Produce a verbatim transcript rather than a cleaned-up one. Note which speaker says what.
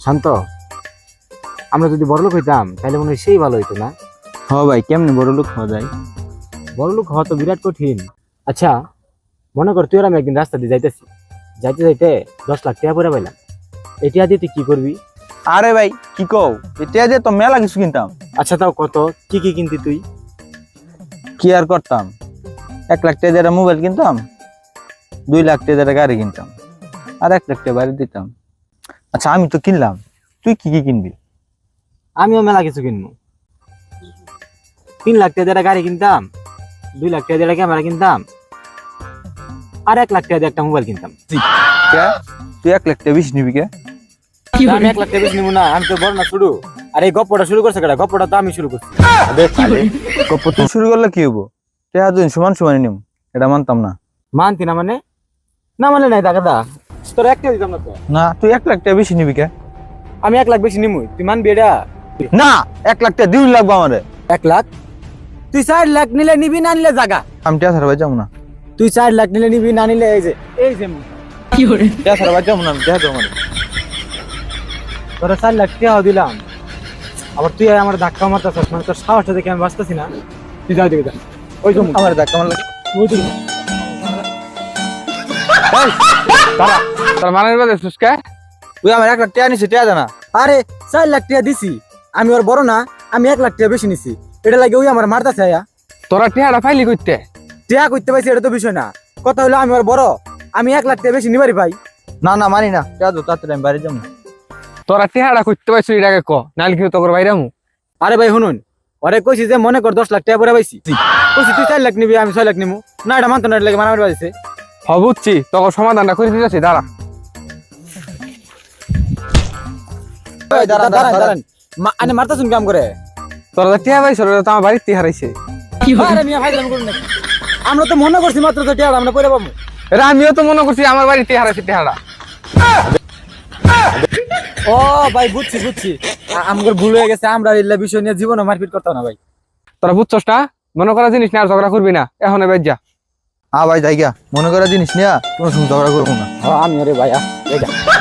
Speaker 1: শান্ত, আমরা যদি বড়লোক হইতাম তাহলে মনে হয় সেই ভালো হইতো না?
Speaker 2: হ ভাই, কেমনে বড় লোক হওয়া যায়?
Speaker 1: বড়লোক হওয়া তো বিরাট কঠিন। আচ্ছা মনে কর তুই আর আমি একদিন রাস্তা দিয়ে যাইতেছি, যাইতে যাইতে দশ লাখ টাকা পরে পাইলাম, এটা দিয়ে তুই কি করবি?
Speaker 2: আরে ভাই কি কও, এটা দিয়ে তো মেলা কিছু কিনতাম।
Speaker 1: আচ্ছা তাও কত, কি কি কিনতি তুই?
Speaker 2: কি আর করতাম, এক লাখ টাকা দিয়ে একটা মোবাইল কিনতাম, দুই লাখ টাকা দিয়ে একটা গাড়ি কিনতাম, আর এক লাখ টাকা বাড়ি দিতাম। আচ্ছা আমি তো কিনলাম, তুই কি কি কিনবি?
Speaker 1: আমিও মেলা কিছু কিনবো। তিন লাখ টাকা দিয়ে একটা গাড়ি কিনতাম, দুই লাখ টাকা দিয়ে একটা ক্যামেরা কিনতাম, আর এক লাখ টাকা দিয়ে একটা মোবাইল কিনতাম।
Speaker 2: কে? তুই এক লাখ টাকা বেশি নিবি কে?
Speaker 1: আমি এক লাখ টাকা বেশি নিবো না, আমি তো বড় না শুরু। আর এই গপ্পটা শুরু করছে কেডা? গপ্পটা তো আমি শুরু করছি।
Speaker 2: গপ্প তুই শুরু করলে কি হবো? টাকা দুই সমান সমান নিম, এটা মানতাম না।
Speaker 1: মানতি না মানে? না মানে নাই টাকা দা, তোর একটা দিতাম না তো।
Speaker 2: না তুই এক লাখ টাকা বেশি নিবি কে?
Speaker 1: আমি এক লাখ বেশি নিমুই, তুই মানবি এটা?
Speaker 2: না, এক লাখ টাকা দুই লাগবো আমারে।
Speaker 1: এক লাখ? তুই চার লাখ নিলে নিবি, না নিলে জাগা।
Speaker 2: আমি টাকা ছাড়া যাবো না।
Speaker 1: তুই চার লাখ নিলে নিবি, না নিলে এই যে এই যে
Speaker 2: টাকা ছাড়া যাবো না, আমি টাকা দেবো আমারে।
Speaker 1: তোরা চার লাখ টাকাও দিলাম, আবার তুই আমার ধাক্কা মারতেছিস, মানে তোর সাহসটা দেখে আমি বাঁচতেছি না। তুই যাও দিকে যা, ওই জন্য
Speaker 2: আমার ধাক্কা মারলে
Speaker 3: তোর মানের বাদে সুস্কা
Speaker 2: তুই আমার এক লাখ টাকা নিছিস, টাকা জানা?
Speaker 1: আরে চার লাখ টাকা দিছি, আমি ওর বড় না, আমি এক লাখ টাকা বেশি নিছি, এটা লাগে ওই আমার মারতেছে। আয়া
Speaker 3: তোরা টিহাটা ফাইলি করতে
Speaker 1: টাকা করতে পারছি এটা তো বিষয় না, কথা হলো আমি ওর বড়, আমি এক লাখ টাকা বেশি নিবারি ভাই।
Speaker 2: না না মানি না, টাকা দো তাড়াতাড়ি, আমি বাড়ি যাবো।
Speaker 3: তোরা টিহাটা করতে পারছিস এটাকে ক, নাহলে কি তোর বাইরে আমু।
Speaker 1: আরে ভাই শুনুন, ওরে কইছি যে মনে কর দশ লাখ টাকা পরে পাইছি, কইছি তুই চার লাখ নিবি, আমি ছয় লাখ নিবো না, এটা মানতো না, এটা লাগে মারামারি বাজছে।
Speaker 3: হ বুঝছি, তোর সমাধানটা করে দিতেছি, দাঁড়া।
Speaker 1: দাঁড়ান দাঁড়ান দাঁড়ান, আনে মারতাছুন কাম করে।
Speaker 3: তোরা যে টিহা পাইছ ওটা তো আমার বাড়িতে হারাইছে।
Speaker 1: আরে মিয়া ভাই, করুন নাকি? আমরা তো মনে করছি মাত্র তো টাকা আমরা পরে পাবো।
Speaker 3: এটা আমিও তো মনে করছি আমার বাড়িতে হারাইছে টিহাটা।
Speaker 1: ও ভাই বুঝছি বুঝছি, আমার ভুল হয়ে গেছে, আমরা এই বিষয় নিয়ে জীবনে মারপিট করতাম না ভাই।
Speaker 3: তোরা বুঝছস না, মনে করা জিনিস নিয়ে আর ঝগড়া করবি না, এখন এবার যা।
Speaker 2: হ্যাঁ ভাই যাই গা, মনে করা জিনিস নিয়ে কোনো সময় ঝগড়া করবো না।
Speaker 1: হ্যাঁ আমি, আরে ভাই আ